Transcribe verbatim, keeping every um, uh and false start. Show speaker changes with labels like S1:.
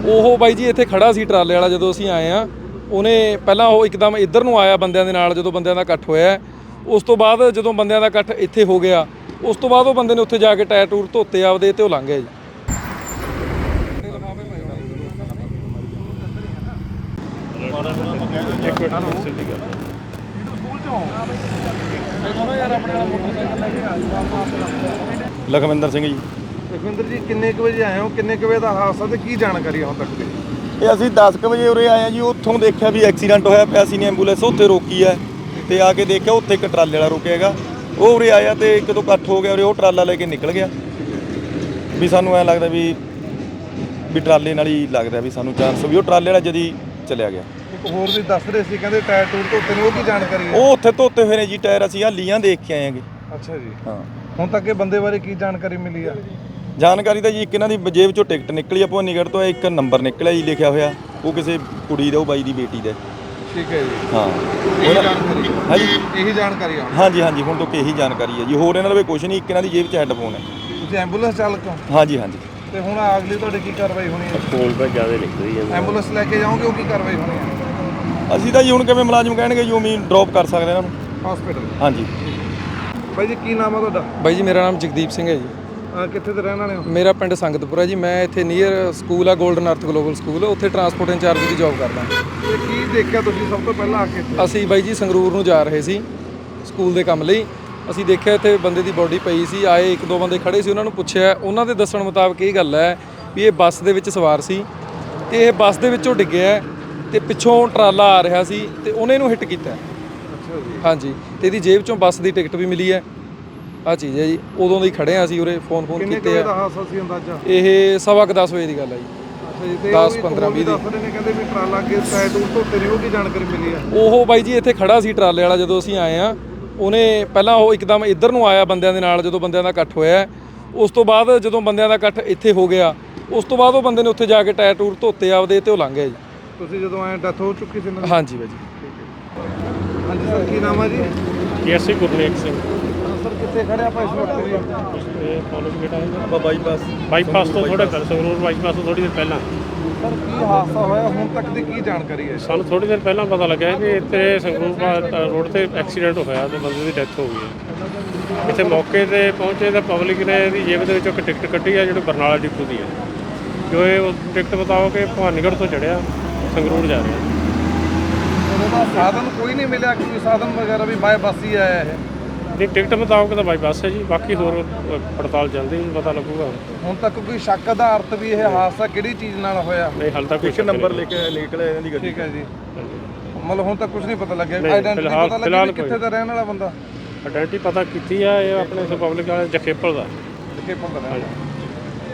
S1: ਉਹ ਬਾਈ ਜੀ ਇੱਥੇ ਖੜਾ ਸੀ ਟਰਾਲੇ ਵਾਲਾ ਜਦੋਂ ਅਸੀਂ ਆਏ ਆ। ਉਹਨੇ ਪਹਿਲਾਂ ਉਹ ਇੱਕਦਮ ਇੱਧਰ ਨੂੰ ਆਇਆ ਬੰਦਿਆਂ ਦੇ ਨਾਲ, ਜਦੋਂ ਬੰਦਿਆਂ ਦਾ ਇਕੱਠ ਹੋਇਆ। ਉਸ ਤੋਂ ਬਾਅਦ ਜਦੋਂ ਬੰਦਿਆਂ ਦਾ ਇਕੱਠ ਇੱਥੇ ਹੋ ਗਿਆ, ਉਸ ਤੋਂ ਬਾਅਦ ਉਹ ਬੰਦੇ ਨੇ ਉੱਥੇ ਜਾ ਕੇ ਟਾਇਰ ਟੂਰ ਧੋਤੇ ਆਪਦੇ ਤੇ ਉਹ ਲੰਘ ਗਿਆ ਜੀ।
S2: ਲਖਵਿੰਦਰ ਸਿੰਘ ਜੀ।
S3: ਲਖਵਿੰਦਰ ਜੀ ਕਿੰਨੇ ਕੁ ਵਜੇ ਆਏ ਹੋ, ਕਿੰਨੇ ਕੁ ਵਜੇ ਦਾ ਹਾਦਸਾ ਤੇ ਕੀ ਜਾਣਕਾਰੀ ਹੁਣ ਤੱਕ ਦੀ?
S2: ਇਹ ਅਸੀਂ ਦਸ ਕੁ ਵਜੇ ਉਰੇ ਆਏ ਆ ਜੀ। ਉੱਥੋਂ ਦੇਖਿਆ ਵੀ ਐਕਸੀਡੈਂਟ ਹੋਇਆ ਪਿਆ ਸੀ, ਨੇ ਐਂਬੂਲੈਂਸ ਉੱਥੇ ਰੋਕੀ ਹੈ ਤੇ ਆ ਕੇ ਦੇਖਿਆ ਉੱਥੇ ਇੱਕ ਟਰਾਲੇ ਵਾਲਾ ਰੁਕਿਆ ਹੈਗਾ। ਉਹ ਉਰੇ ਆਇਆ ਤੇ ਇੱਕ ਤੋਂ ਇਕੱਠ ਹੋ ਗਿਆ ਉਰੇ, ਉਹ ਟਰਾਲਾ ਲੈ ਕੇ ਨਿਕਲ ਗਿਆ। ਵੀ ਸਾਨੂੰ ਐਂ ਲੱਗਦਾ ਵੀ ਵੀ ਟਰਾਲੇ ਨਾਲ ਹੀ ਲੱਗਦਾ ਵੀ ਸਾਨੂੰ ਚਾਂਸ ਵੀ ਉਹ ਟਰਾਲੇ ਵਾਲਾ ਜਦੀ ਚਲਿਆ ਗਿਆ।
S3: ਇੱਕ ਹੋਰ ਵੀ ਦੱਸ ਰਹੇ ਸੀ, ਕਹਿੰਦੇ ਟਾਇਰ ਟੂਰ ਧੋਤੇ ਨੇ, ਉਹ ਕੀ ਜਾਣਕਾਰੀ ਹੈ?
S2: ਉਹ ਉੱਥੇ ਧੋਤੇ ਹੋਏ ਨੇ ਜੀ ਟਾਇਰ, ਅਸੀਂ ਹਾਲੀਆਂ ਦੇਖ ਕੇ ਆਏ ਆਂਗੇ।
S3: ਅੱਛਾ ਜੀ।
S2: ਹਾਂ,
S3: ਹੁਣ ਤੱਕ ਇਹ ਬੰਦੇ ਬਾਰੇ ਕੀ ਜਾਣਕਾਰੀ ਮਿਲੀ ਆ?
S2: ਜਾਣਕਾਰੀ ਤਾਂ ਜੀ ਇੱਕ ਇਹਨਾਂ ਦੀ ਜੇਬ ਚੋਂ ਟਿਕਟ ਨਿਕਲੀ ਆ ਭਵਾਨੀਗੜ੍ਹ ਤੋਂ, ਇੱਕ ਨੰਬਰ ਨਿਕਲਿਆ ਜੀ ਲਿਖਿਆ ਹੋਇਆ, ਉਹ ਕਿਸੇ ਕੁੜੀ ਦਾ, ਉਹ ਬਾਈ ਦੀ ਬੇਟੀ ਦਾ।
S3: ਠੀਕ ਹੈ ਜੀ।
S2: ਹਾਂ,
S3: ਇਹੀ ਜਾਣਕਾਰੀ
S2: ਹਾਂ ਜੀ,
S3: ਇਹੀ ਜਾਣਕਾਰੀ ਆ?
S2: ਹਾਂਜੀ ਹਾਂਜੀ, ਹੁਣ ਤੋਂ ਇਹੀ ਜਾਣਕਾਰੀ ਹੈ ਜੀ। ਹੋਰ ਇਹਨਾਂ ਦਾ ਕੁਝ ਨਹੀਂ, ਇੱਕ ਇਹਨਾਂ ਦੀ ਜੇਬ 'ਚ ਹੈੱਡਫੋਨ ਹੈ।
S3: ਤੁਸੀਂ ਐਂਬੂਲੈਂਸ ਚਾਲਕ ਹੋ?
S2: ਹਾਂਜੀ ਹਾਂਜੀ।
S3: ਤੇ ਹੁਣ ਅਗਲੀ ਤੁਹਾਡੀ ਕੀ ਕਾਰਵਾਈ ਹੋਣੀ ਹੈ?
S4: ਕੋਲ ਤਾਂ ਜ਼ਿਆਦਾ ਨਿਕਲਦੀ ਹੈ।
S3: ਐਂਬੂਲੈਂਸ ਲੈ ਕੇ ਜਾਓਗੇ, ਉਹ ਕੀ ਕਾਰਵਾਈ ਹੋਣੀ ਹੈ?
S2: ਅਸੀਂ ਤਾਂ ਜੀ ਹੁਣ ਕਿਵੇਂ ਮੁਲਾਜ਼ਮ ਕਹਿਣਗੇ ਜੀ ਉਵੇਂ ਡ੍ਰੌਪ ਕਰ ਸਕਦੇ ਇਹਨਾਂ ਨੂੰ
S3: ਹਸਪੀਟਲ।
S2: ਹਾਂਜੀ।
S3: ਬਾਈ ਜੀ ਕੀ ਨਾਮ ਆ ਤੁਹਾਡਾ?
S1: ਬਾਈ ਜੀ ਮੇਰਾ ਨਾਮ ਜਗਦੀਪ ਸਿੰਘ ਹੈ ਜੀ।
S3: ਅਹ ਕਿੱਥੇ ਦੇ ਰਹਿਣ ਵਾਲੇ ਹੋ?
S1: ਮੇਰਾ ਪਿੰਡ ਸੰਗਤਪੁਰਾ ਜੀ। ਮੈਂ ਇੱਥੇ ਨੀਅਰ ਸਕੂਲ ਆ ਗੋਲਡਨ ਅਰਥ ਗਲੋਬਲ ਸਕੂਲ, ਉੱਥੇ ਟਰਾਂਸਪੋਰਟ ਇੰਚਾਰਜ ਦੀ ਜੌਬ ਕਰਦਾ।
S3: ਤੇ ਕੀ ਦੇਖਿਆ ਤੁਸੀਂ ਸਭ ਤੋਂ ਪਹਿਲਾਂ ਆ ਕੇ ਇੱਥੇ?
S1: ਅਸੀਂ ਬਾਈ ਜੀ ਸੰਗਰੂਰ ਨੂੰ ਜਾ ਰਹੇ ਸੀ ਸਕੂਲ ਦੇ ਕੰਮ ਲਈ। ਅਸੀਂ ਦੇਖਿਆ ਇੱਥੇ ਬੰਦੇ ਦੀ ਬੋਡੀ ਪਈ ਸੀ। ਆਏ ਇੱਕ ਦੋ ਬੰਦੇ ਖੜੇ ਸੀ, ਉਹਨਾਂ ਨੂੰ ਪੁੱਛਿਆ। ਉਹਨਾਂ ਦੇ ਦੱਸਣ ਮੁਤਾਬਕ ਇਹ ਗੱਲ ਹੈ ਵੀ ਇਹ ਬੱਸ ਦੇ ਵਿੱਚ ਸਵਾਰ ਸੀ ਤੇ ਇਹ ਬੱਸ ਦੇ ਵਿੱਚੋਂ ਡਿੱਗਿਆ ਤੇ ਪਿੱਛੋਂ ਟਰਾਲਾ ਆ ਰਿਹਾ ਸੀ ਤੇ ਉਹਨੇ ਇਹਨੂੰ ਹਿੱਟ ਕੀਤਾ।
S3: ਅੱਛਾ ਜੀ।
S1: ਹਾਂਜੀ, ਤੇ ਇਹਦੀ ਜੇਬ ਚੋਂ ਬੱਸ ਦੀ ਟਿਕਟ ਵੀ ਮਿਲੀ ਹੈ। ਆਹ ਚੀਜ਼ ਹੈ ਜੀ। ਉਦੋਂ ਦੀ ਖੜੇ ਆ ਅਸੀਂ ਉਰੇ, ਫੋਨ ਫੋਨ
S3: ਕਿੰਨੇ ਕੁ
S1: ਕੀਤੇ
S3: ਵਜੇ ਦਾ
S1: ਆ।
S3: ਹਾਦਸਾ ਸੀ ਅੰਦਾਜ਼ਾ?
S1: ਇਹ ਸਵਾ ਕੁ ਦਸ ਵਜੇ ਦੀ ਗੱਲ ਹੈ ਜੀ।
S3: ਅੱਛਾ ਜੀ। ਤੇ
S1: ਦਸ, ਪੰਦਰਾਂ, ਵੀਹ ਦੀ।
S3: ਦੱਸ ਰਹੇ ਨੇ, ਕਹਿੰਦੇ ਵੀ ਟਰਾਲਾ ਅੱਗੇ ਟਾਇਰ ਟੂਰ ਧੋਤੇ ਨੇ, ਉਹ ਕੀ ਜਾਣਕਾਰੀ ਮਿਲੀ ਆ?
S1: ਉਹ ਬਾਈ ਜੀ ਇੱਥੇ ਖੜਾ ਸੀ ਟਰਾਲੇ ਵਾਲਾ ਜਦੋਂ ਅਸੀਂ ਆਏ ਆ। ਉਹਨੇ ਪਹਿਲਾਂ ਉਹ ਇੱਕਦਮ ਇੱਧਰ ਨੂੰ ਆਇਆ ਬੰਦਿਆਂ ਦੇ ਨਾਲ, ਜਦੋਂ ਬੰਦਿਆਂ ਦਾ ਇਕੱਠ ਹੋਇਆ। ਉਸ ਤੋਂ ਬਾਅਦ ਜਦੋਂ ਬੰਦਿਆਂ ਦਾ ਇਕੱਠ ਇੱਥੇ ਹੋ ਗਿਆ, ਉਸ ਤੋਂ ਬਾਅਦ ਉਹ ਬੰਦੇ ਨੇ ਉੱਥੇ ਜਾ ਕੇ ਟਾਇਰ ਟੂਰ ਧੋਤੇ ਆਪਦੇ ਤੇ ਉਹ ਲੰਘ ਗਿਆ ਜੀ।
S3: ਤੁਸੀਂ ਜਦੋਂ ਆਏ ਡੈਥ ਹੋ ਚੁੱਕੀ ਸੀ ਇਹਨਾਂ ਦੀ?
S1: ਹਾਂਜੀ ਬਾਈ ਜੀ।
S3: ਹਾਂਜੀ ਸਰ, ਕੀ ਨਾਮ ਆ ਜੀ?
S4: ਕੇਸੀ ਗੁਰਨੇਕ ਸਿੰਘ।
S3: ਸਰ ਕਿੱਥੇ ਖੜੇ ਆਪਾਂ ਇਸ ਵਕਤ ਜੀ?
S4: ਇਹ ਕਾਲਜ ਬੇਟਾ ਹੈ
S2: ਆਪਾਂ ਬਾਈਪਾਸ
S4: ਬਾਈਪਾਸ ਤੋਂ ਥੋੜਾ ਕਰ ਸੰਗਰੂਰ ਬਾਈਪਾਸ ਤੋਂ ਥੋੜੀ ਦੇਰ ਪਹਿਲਾਂ
S3: ਸਰ ਕੀ ਹਾਦਸਾ ਹੋਇਆ, ਹੁਣ ਤੱਕ ਦੀ ਕੀ ਜਾਣਕਾਰੀ ਹੈ?
S4: ਸਾਨੂੰ ਥੋੜੀ ਦੇਰ ਪਹਿਲਾਂ ਪਤਾ ਲੱਗਿਆ ਕਿ ਇੱਥੇ ਸੰਗਰੂਰ ਰੋਡ ਤੇ ਐਕਸੀਡੈਂਟ ਹੋਇਆ ਤੇ ਬੰਦੇ ਦੀ ਡੈਥ ਹੋ ਗਈ ਹੈ। ਇੱਥੇ ਮੌਕੇ ਤੇ ਪਹੁੰਚੇ ਤਾਂ ਪਬਲਿਕ ਨੇ ਇਹਦੀ ਜੇਬ ਦੇ ਵਿੱਚੋਂ ਇੱਕ ਟਿਕਟ ਕੱਢੀ ਹੈ, ਜਿਹੜੀ ਬਰਨਾਲਾ ਡਿਪੂ ਦੀ ਹੈ। ਜੋ ਇਹ ਉਹ ਟਿਕਟ ਬਤਾਓ ਕਿ ਭਵਾਨੀਗੜ੍ਹ ਤੋਂ ਚੜਿਆ ਸੰਗਰੂਰ ਜਾ ਰਿਹਾ।
S3: ਉਹਦਾ ਸਾਧਨ ਕੋਈ ਨਹੀਂ ਮਿਲਿਆ, ਕੋਈ ਸਾਧਨ ਵਗੈਰਾ ਵੀ ਬਾਏ ਬੱਸ ਹੀ ਆਇਆ ਇਹ?
S4: ਨਹੀਂ, ਟਿਕਟ ਮੁਤਾਬਕ ਤਾਂ ਬਾਈ ਬੱਸ ਹੈ ਜੀ। ਬਾਕੀ ਹੋਰ ਪੜਤਾਲ ਚੱਲਦੀ ਨਹੀਂ, ਪਤਾ ਲੱਗੂਗਾ।
S3: ਹੁਣ ਤੱਕ ਕੋਈ ਸ਼ੱਕ ਆਧਾਰਿਤ ਵੀ ਇਹ ਹਾਦਸਾ ਕਿਹੜੀ ਚੀਜ਼ ਨਾਲ ਹੋਇਆ?
S4: ਨਹੀਂ, ਹਾਲੇ ਤੱਕ
S2: ਇੱਕ ਨੰਬਰ ਲੈ ਕੇ ਨਿਕਲਿਆ ਇਹਨਾਂ ਦੀ ਗੱਡੀ।
S3: ਠੀਕ ਹੈ ਜੀ। ਮਤਲਬ ਹੁਣ ਤੱਕ ਕੁਝ ਨਹੀਂ ਪਤਾ ਲੱਗਿਆ,
S4: ਨਹੀਂ,
S3: ਆਈਡੈਂਟੀ
S4: ਫਿਲਹਾਲ-
S3: ਪਤਾ ਲੱਗਿਆ
S4: ਫਿਲਹਾਲ
S3: ਵੀ ਕਿੱਥੇ ਦਾ ਰਹਿਣ ਵਾਲਾ ਬੰਦਾ?
S4: ਆਇਡੈਂਟੀ ਪਤਾ ਕੀਤੀ ਆ, ਇਹ ਆਪਣੇ ਪਬਲਿਕ ਵਾਲੇ ਜਖੇਪਲ ਦਾ।
S3: ਕਿੱਥੇ ਪੰਦਾ ਰਹਿਣ ਵਾਲਾ?